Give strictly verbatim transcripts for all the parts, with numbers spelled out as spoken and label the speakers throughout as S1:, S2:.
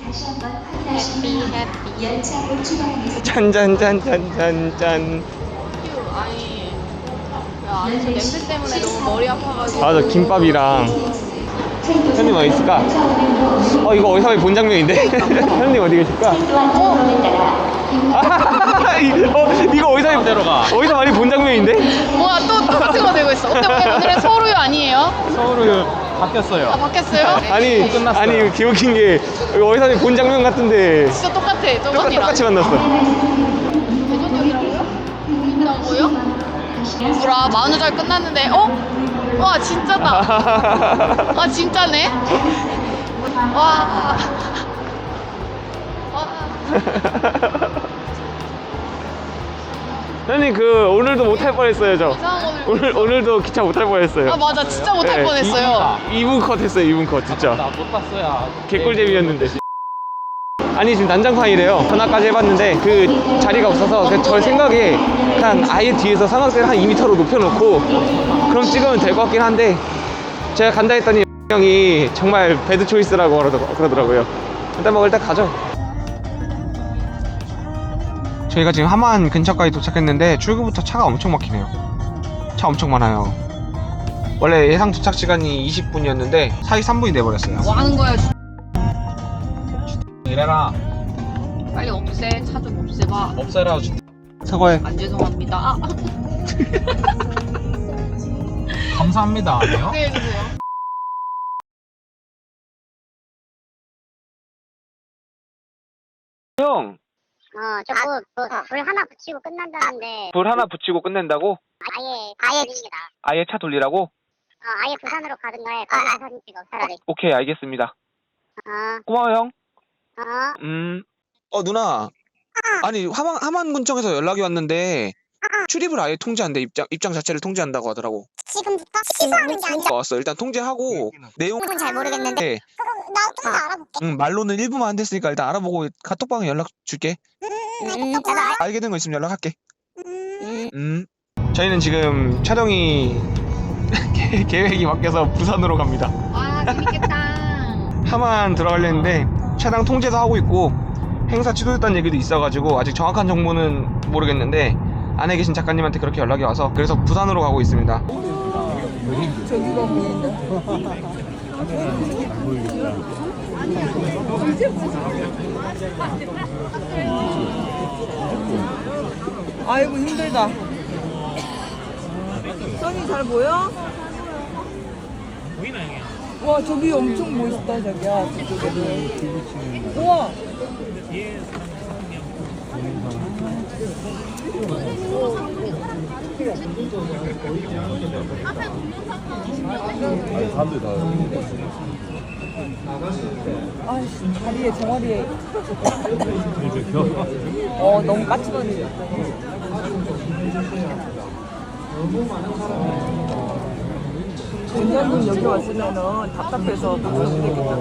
S1: 해피 해피.
S2: 짠짠짠짠짠짠.
S1: 휴, 아니 야 저 냄새 때문에 너무 머리 아파가지고.
S2: 맞아, 김밥이랑. 형님 어디 있을까? 어, 이거 어디서 많이 본 장면인데? 형님 어디 계실까? 아, 이- 어, 이거 어디서 많이,
S3: 들어가.
S2: 어디서 많이 본 장면인데?
S1: 뭐야 또 똑같은 거 들고 있어. 어때 오늘은 서울우유 아니에요?
S3: 서울우유 바뀌었어요.
S1: 아 바뀌었어요?
S2: 아니,
S3: 끝났어요.
S2: 아니, 이거 기억인 게 이거 어디서 많이 본 장면 같은데.
S1: 진짜 똑같아
S2: 똑같,
S1: 저번이랑.
S2: 똑같이 만났어.
S1: 대전역이라고요? 보인다고요? 뭐라 만 원짜리 끝났는데 어? 와 진짜다. 아 진짜네? 와. 와.
S2: 형님 그 오늘도 못 탈 뻔했어요 저.
S1: 이상한 거를-
S2: 오늘 오늘도 기차 못 탈 뻔했어요.
S1: 아 맞아 진짜 못할
S2: 네.
S1: 뻔했어요.
S2: 이 분 컷 했어요. 이 분 컷 진짜.
S3: 나 못 봤어요.
S2: 개꿀잼이었는데. 아니 지금 난장판이래요. 전화까지 해봤는데 그 자리가 없어서 그저 생각에 그냥 아예 뒤에서 삼각대를 한 이 미터로 높여놓고 그럼 찍으면 될 것 같긴 한데 제가 간다 했더니 형이 정말 배드 초이스라고 그러더- 그러더라고요. 일단 뭐 일단 가죠. 저희가 지금 하만 근처까지 도착했는데 출구부터 차가 엄청 막히네요. 차 엄청 많아요. 원래 예상 도착 시간이 이십 분이었는데 사이 삼 분이 돼버렸어요.
S1: 뭐 하는 거야?
S3: 이래라.
S1: 빨리 없애. 차 좀 없애봐.
S3: 없애라.
S2: 사과해.
S1: 안 죄송합니다. 아,
S3: 감사합니다. 아니요?
S1: 네 해주세요.
S2: 형!
S4: 어, 저거 뭐, 불 하나 붙이고 끝난다는데
S2: 불 하나 붙이고 끝낸다고?
S4: 아예 아예 돌립니다.
S2: 아예 차 돌리라고?
S4: 어, 아예 부산으로 가든가 해. 거기서 사진 찍어 차라리.
S2: 오케이, 알겠습니다.
S4: 어,
S2: 고마워, 형.
S4: 어.
S2: 음. 어, 누나. 아니, 하만, 하만군청에서 연락이 왔는데, 출입을 아예 통제한대. 입장, 입장 자체를 통제한다고 하더라고.
S4: 지금부터 시사하는 게 아니라
S2: 왔어. 일단 통제하고, 내용.
S4: 은 잘 모르겠는데 나 좀 더 알아볼게.
S2: 응, 말로는 일 분만 안 됐으니까 일단 알아보고 카톡방에 연락 줄게.
S4: 음, 나도 알.
S2: 알게 된 거 있으면 연락할게.
S4: 음.
S2: 음. 저희는 지금 촬영이 계- 계획이 바뀌어서 부산으로 갑니다.
S1: 아 재밌겠다.
S2: 하만 들어가려 했는데 차량 통제도 하고 있고 행사 취소됐다는 얘기도 있어가지고 아직 정확한 정보는 모르겠는데 안에 계신 작가님한테 그렇게 연락이 와서 그래서 부산으로 가고 있습니다.
S5: 아이고 힘들다. 선이 잘 보여? 보이나 형이? 와 저기 엄청 멋있다 자기야 저쪽에는. 우와. 아이씨 다리에 종아리에. 어 너무 까칠하네. 원장님 여기 왔으면은 답답해서 못 오겠다.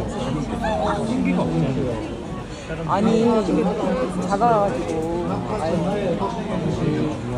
S5: 아니 이게 작아가지고. 아유.